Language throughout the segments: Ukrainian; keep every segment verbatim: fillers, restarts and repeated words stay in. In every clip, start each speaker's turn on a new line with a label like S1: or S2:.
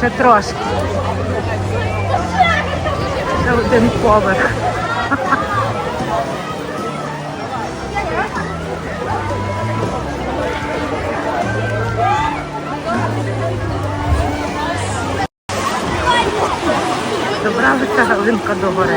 S1: Ще трошки. Ще один поверх. Добравиться Галинка до гори.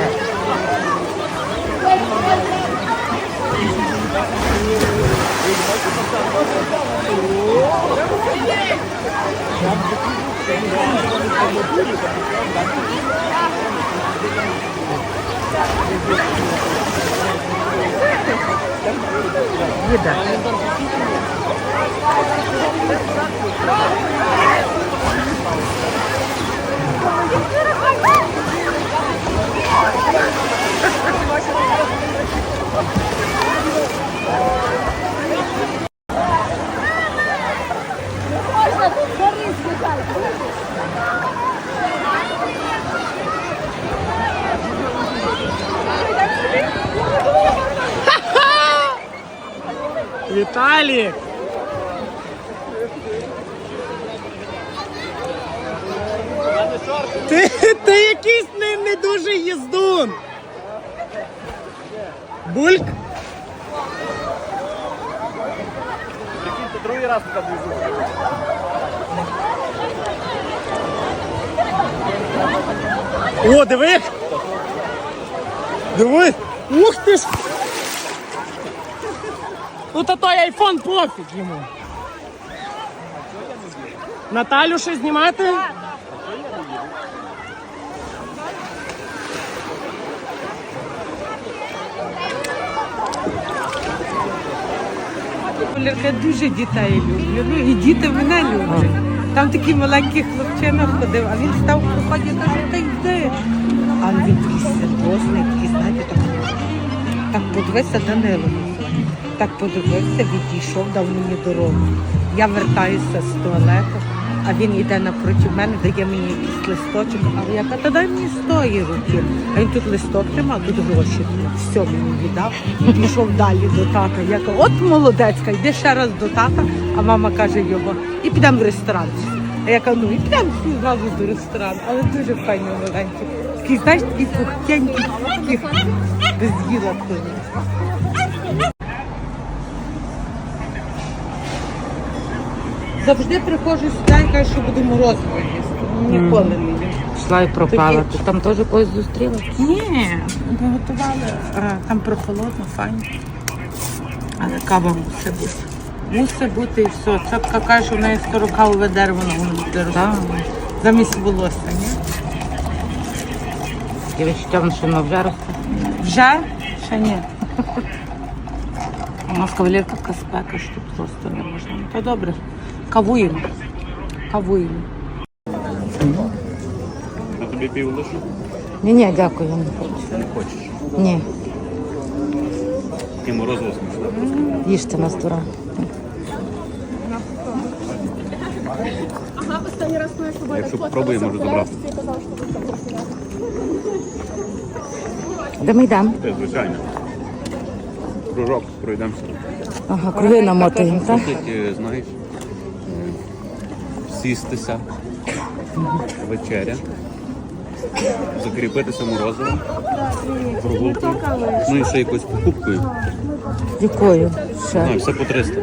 S1: Їде.
S2: Віталік! Ти, ти якийсь не, не дуже їздун. Бульк?
S3: Другий раз туди був.
S2: О, диви! Диви! Ух ти ж! Ну та той айфон пофіг йому. Наталю ще знімати?
S1: Я дуже дітей люблю, ну і діти мене люблять. Там такий маленький хлопчина ходив, а він став в проході і каже, та йди. А він такий серйозний, такий, знаєте, так, так подивився Данило. Так подивився, відійшов, дав мені дорогу. Я вертаюся з туалету, а він йде напроти мене, дає мені якийсь листочок, але я кажу, та дай мені з тої руки. А він тут листок тримав, тут гроші. Все мені віддав і пішов далі до тата. Я кажу, от молодецька, йди ще раз до тата, а мама каже його, і підемо в ресторан. А я кажу, ну і підемо всі зразу до ресторану, але дуже файно маленький. Такий, знаєш, такий пухтенький, такий без їла тоді. Завжди приходжу сюди і кажу, що буду морозиво їсти. Ніколи не їм.
S4: Пішла і пропала.
S1: Тоді-
S4: Ти там теж когось зустріла?
S1: Ні, приготували. е, Там прохолодно, файно. Але кава мусить бути. Мусить бути і все. Цапка каже, що в неї скоро кавове дерево на воно буде рости. Замість волосся, ні?
S4: І відчуття, що воно вже росте.
S1: Вже? Ще ні.
S4: У нас кавалерка така спека, що тут просто не можна.
S1: То добре. Кавуємо. Кавуємо.
S3: Я тобі пів лишу?
S4: Ні, ні, дякую, я не хочу.
S3: Не хочеш.
S4: Ні,
S3: І морозиво смачне.
S4: їжте нас дура.
S3: Якщо попробує, можу забрати.
S4: Де ми йдемо?
S3: Це звичайно. Кружок пройдемося.
S4: Ага, круги намотуємо, так?
S3: Тут, е, знаєш, е, сістися, вечеря, закріпитися морозивом, прогулкою, ну і ще якоюсь покупкою.
S4: Якою?
S3: Знаю,
S4: Ще.
S3: все по триста.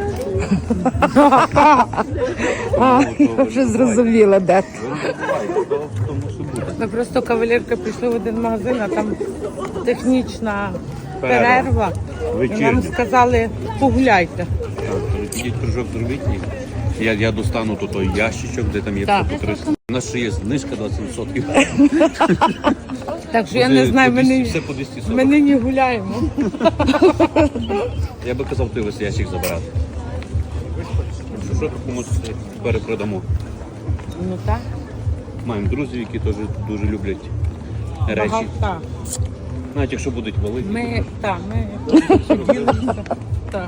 S4: А, я вже зрозуміла, де.
S3: То мусить бути.
S1: Ми просто кавалерка пішли в один магазин, а там технічна
S3: Перерва.
S1: перерва. І
S3: Вечірня.
S1: нам сказали, погуляйте.
S3: Так, Ідіть кружок зробіть. і Я, я достану тут той ящичок, де там є
S1: Так.
S3: все по триста. У нас ще є знижка двадцять відсотків.
S1: Так що я не знаю, ми не,
S3: Все по двісті сорок.
S1: ми нині гуляємо.
S3: Я би казав, ти весь ящик забирати. Що, що комусь перепродамо.
S1: Ну так,
S3: Маємо друзів, які теж дуже люблять речі.
S1: багато. Так.
S3: Навіть якщо будуть великі.
S1: Ми, так, ми ділимося. Так.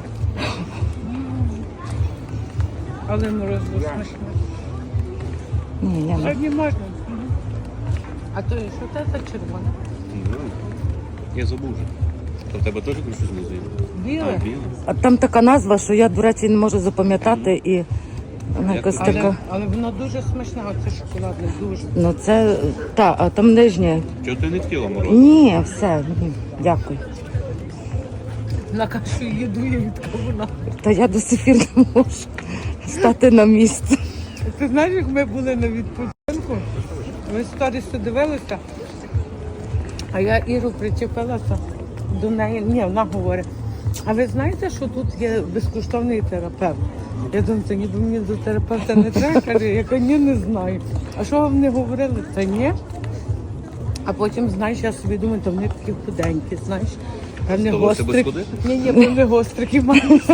S1: Але морозиво смачне.
S4: Ні, я не.
S1: Сьогодні можна. А то що це за червоне?
S3: Ну, я забув вже. То в тебе теж щось знизу?
S1: Біле?
S3: А, біле.
S4: А там така назва, що я, до речі, не можу запам'ятати і Вона якась
S1: Але,
S4: така.
S1: але воно дуже смачне, оце шоколадне, дуже.
S4: Ну це, та, а там нижнє.
S3: Чого ти не хотіла мороз?
S4: Ні, все, ні, дякую.
S1: На кашу їду я від кавуна.
S4: Та я до сих пір не можу стати на місці.
S1: Ти знаєш, як ми були на відпочинку, ми сторіси дивилися, а я Іру причепилася до неї. Ні, вона говорить, а ви знаєте, що тут є безкоштовний терапевт? Я думаю, це ніби мені до терапевта не треба, каже, я кажу, ні, не знаю. А що вам не говорили? Та ні. А потім, знаєш, я собі думаю, то вони такі худенькі, знаєш. А не
S3: Здалося без
S1: гострик.
S3: ходи?
S1: Ні, ні, бо не гострики мають.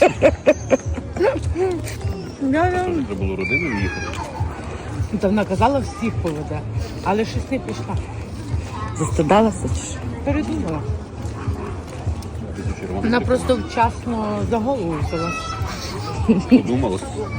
S1: Я- я-
S3: Треба було родиною їхати.
S1: Та вона казала, всіх поведе, але щось не пішла.
S4: Застудалася чи що?
S1: Передумала.
S3: Ти до червоних
S1: Вона просто вчасно за голову взяла.
S3: подумала.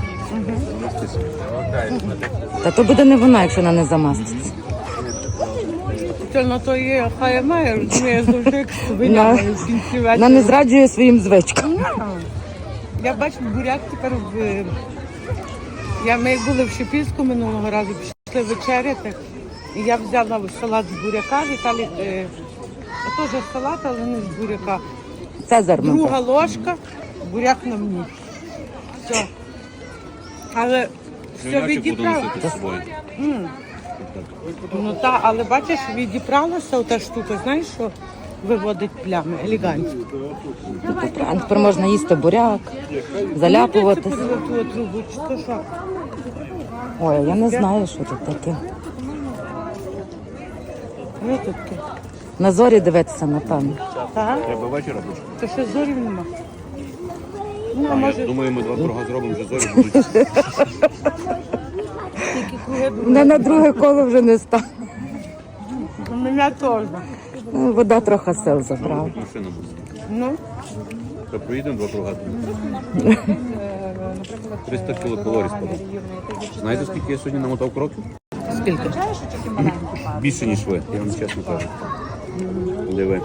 S4: Та то буде не вона, якщо вона не замаститься.
S1: Це на то є, хай має, розуміє, завжди як свиня
S4: Вона-
S1: має в кінці
S4: Вона
S1: вечора.
S4: не зраджує своїм звичкам.
S1: Я бачу, буряк тепер в... Я, ми були в Шепільську минулого разу, пішли вечеряти. І я взяла салат з буряка, Віталій, е, теж салат, але не з буряка.
S4: Цезар ми
S1: Друга ложка, буряк на мені. Все. Але все
S3: Свинячок буду
S1: відібрала.
S3: носити з собою.
S1: Ну так, але бачиш, відібралася ота штука, знаєш, що виводить плями елегантно.
S4: А тепер можна їсти буряк, заляпуватись.
S1: Це ту трубу, чи то що?
S4: Ой, я не знаю, що тут таке.
S1: Ну тут таке.
S4: На зорі дивитися, напевно.
S1: Так?
S3: Треба вечора буде.
S1: То ще зорів нема. Ну, а
S3: А,
S1: може,
S3: Я думаю, ми два круга зробимо, вже зорі будуть.
S1: тільки круги
S4: Вона на друге коло вже не стане.
S1: У мене теж.
S4: Ну, вода трохи сил забрала.
S3: Машина буде.
S1: Ну,
S3: Та проїдемо два круга. триста кілокалорій складає. Знаєте, скільки я сьогодні намотав кроків?
S1: скільки?
S3: Більше, ніж ви, я вам чесно кажу. Диви.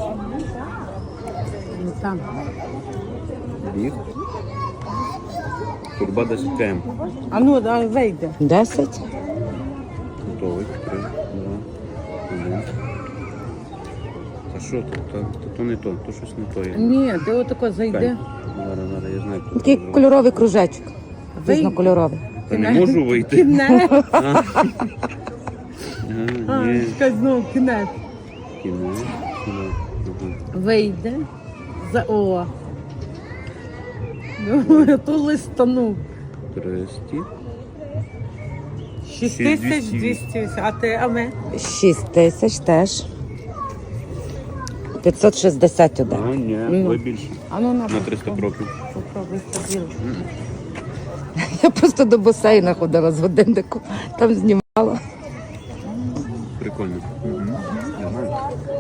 S1: Ну, там.
S3: Біг. Турба десять км.
S1: А ну, да, вийде.
S4: Десять?
S3: Готовий. Три, два, один. Та що то? Та, та то не то, то щось не то є.
S1: Ні, ти отако зайди.
S3: Зараз, зараз, я знаю, хто
S4: Такий
S3: це зробив.
S4: кольоровий кружечок. Різнокольоровий.
S3: Та не можу вийти.
S1: Кінець.
S3: А,
S1: А,
S3: ні.
S1: чекай, знову кінець.
S3: Кінець. Кінець. Ага.
S1: Вийде. За о. Ну, то листанув.
S3: Тресті.
S1: шість тисяч двісті. А ти, а ми?
S4: Шість тисяч теж. п'ятсот шістдесят
S3: А,
S4: один.
S3: ні,
S1: Ну.
S3: ви більше.
S1: А ну, на,
S3: На триста кроків.
S1: попробуй собі.
S4: Я просто до басейна ходила з годинником, там знімала.
S3: Прикольно. Я знаю.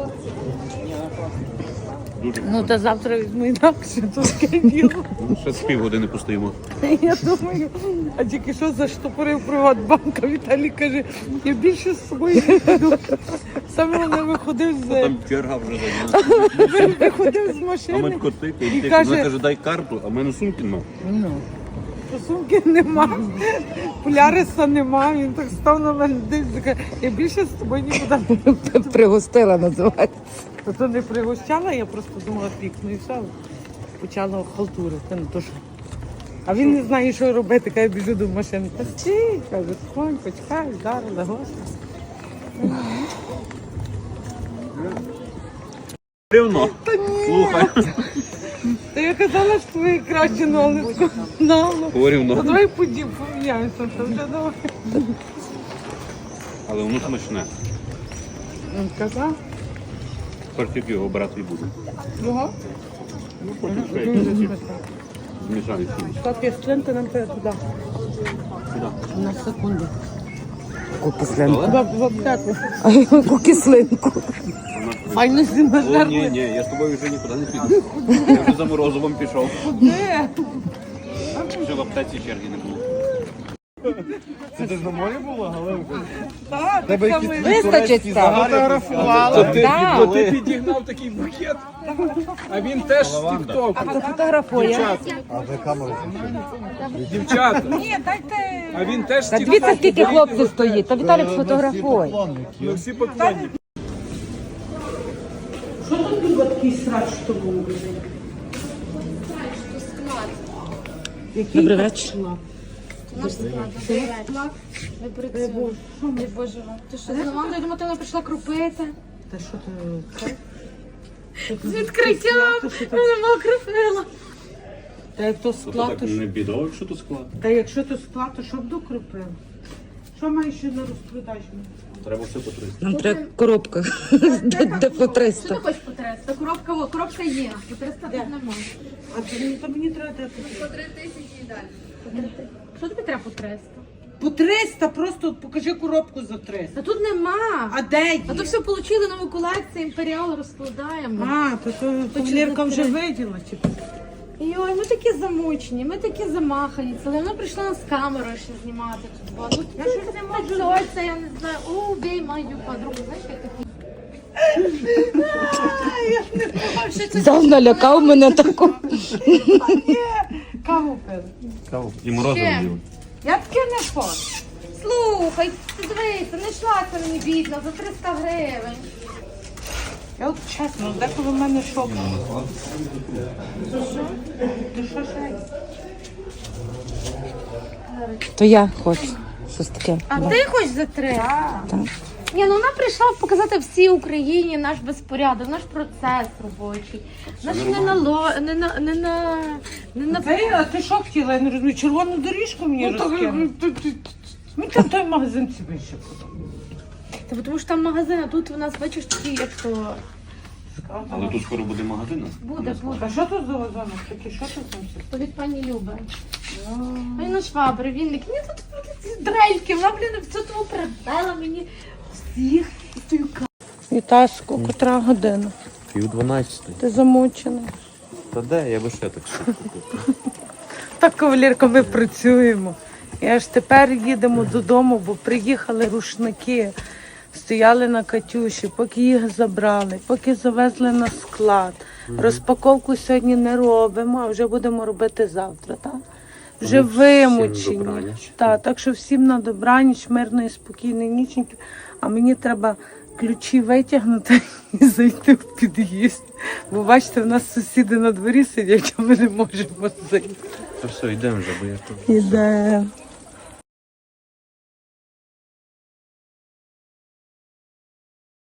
S3: Дуже
S1: Ну, та завтра візьму інакше, то таке діло.
S3: Ну, ще з півгодини постоїмо.
S1: Я думаю, а тільки що заштопорив Приватбанк, а Віталій каже, я більше з собою не веду. Саме вони виходив з,
S3: Там черга вже зайняла.
S1: виходив з
S3: А ми
S1: машини.
S3: коти,
S1: І
S3: і
S1: каже-
S3: вона каже, дай карту, а в мене сумки нема.
S1: Ну, сумки нема, Поляриса нема, він так став на мене дивиться, каже, я більше з тобою нікуди не буду.
S4: Пригостила, називається.
S1: То то не пригощала, я просто думала пікну і все. Почала халтурити, ну то що. А він не знає, що робити, каже, біжу до машини. Та стій, каже, конь, почекай, зараз, легося.
S3: Рівно. Слухай.
S1: Та я казала, що твої краще налиску. Налу. Та
S3: Порівно.
S1: давай подім, поміняємося, то вже давай.
S3: Але воно смачне.
S1: Він казав,
S3: Тепер тільки його брати і буду.
S1: його?
S3: Ну, потім ще
S1: Дуже
S3: якісь
S1: смачно.
S3: змішані суміш.
S1: Так, я слинка нам треба туди.
S3: Сюди.
S1: На секунду.
S4: Яку кислинку.
S1: В, в аптеку.
S4: А яку кислинку.
S1: Файно зі
S3: О, ні,
S1: нажерли.
S3: ні, я з тобою вже нікуди не піду. Я вже за морозовим пішов.
S1: Де?
S3: Вже в аптеці черги не було.
S5: Це ти ж на морі була, Галинка?
S1: Так,
S5: Тебе
S1: так
S5: якісь
S1: само.
S4: Вистачить там.
S5: Фотографувала.
S4: Да.
S5: То ти підігнав такий букет. А він теж з тік-току.
S4: Хто фотографує?
S5: А ви камеру включили? Дівчата.
S1: Ні, дайте.
S5: А він теж з
S4: Та
S5: тік-току.
S4: дивіться, скільки хлопців стоїть. Та Віталік фотографує.
S5: Ми всі поклонники.
S1: Що тут було такий срач в тому магазині? Який
S2: Добрий вечір.
S1: склад?
S6: Ми працюємо. Ой, Боже, ти що, з Лавандою, я думала, ти вона прийшла крупити.
S1: Та що ти? Це?
S6: З відкриттям. Вона мала крупила.
S1: Та як то склад, то що?
S3: бідово, якщо то склад.
S1: Та якщо то склад, то що б докрупив? Що маєш ще на розпродажу?
S3: Треба все по триста.
S4: Нам треба коробка. Де, де по
S6: Що
S4: триста.
S6: ти хочеш по триста? Коробка, о, коробка є. По триста тут немає.
S1: А то мені, то мені треба дати.
S6: По три тисячі і далі. Що тобі треба по триста?
S1: По триста, просто покажи коробку за триста.
S6: Та тут нема.
S1: А де є?
S6: А то все отримали нову колекцію, імперіал розкладаємо.
S1: А, то то кавалерка вже виділа, чи?
S6: Йой, ми такі замучені, ми такі замахані. Але вона прийшла нас з камерою ще знімати тут. була. Ну, я щось не можу. Це, я не знаю. О, бей мою подругу. Знаєш, як такі?
S4: Взяв, налякав мене таку.
S1: Каву пили.
S3: І морозиво
S6: Ще.
S3: їли.
S1: Я таке не хочу.
S6: Слухай, ти дивися, не йшла це мені бідно за триста гривень.
S1: Я от чесно, деколи в мене шок. Ти що ще?
S4: То я хочу. Щось таке.
S6: А ти хочеш за три?
S4: Так.
S6: Ні, ну вона прийшла показати всій Україні наш безпорядок, наш процес робочий. Наш не на ло, не на не на не на
S1: Ти, а ти що хотіла? Я не розумію, червону доріжку мені розкинули. Мені там той магазин ці більше подобається.
S6: Та тому що там магазин, а тут у нас бачиш такі, як то
S3: Але тут скоро буде магазин.
S6: буде, буде.
S1: А що тут за вазонок такі? Що тут там все?
S6: То від пані Люби. Ой, на швабри, вінник. Ні, тут ці дрельки, вона, блін, все тому передала мені всіх і тою
S1: Вітаску, котра година?
S3: Пів дванадцятої.
S1: Ти замучена.
S3: Та де, я би ще так швидко купив.
S1: Так, кавалерка, ми працюємо. І аж тепер їдемо додому, бо приїхали рушники, стояли на Катюші, поки їх забрали, поки завезли на склад. Розпаковку сьогодні не робимо, а вже будемо робити завтра, так? Вже
S3: Ну, всім
S1: вимучені.
S3: добраніч.
S1: Так, так що всім на добраніч, мирної, спокійної ніченьки. А мені треба ключі витягнути і зайти в під'їзд. Бо бачите, в нас сусіди на дворі сидять, а ми не можемо зайти.
S3: Та все, йдемо вже, бо я тут.
S1: Іде.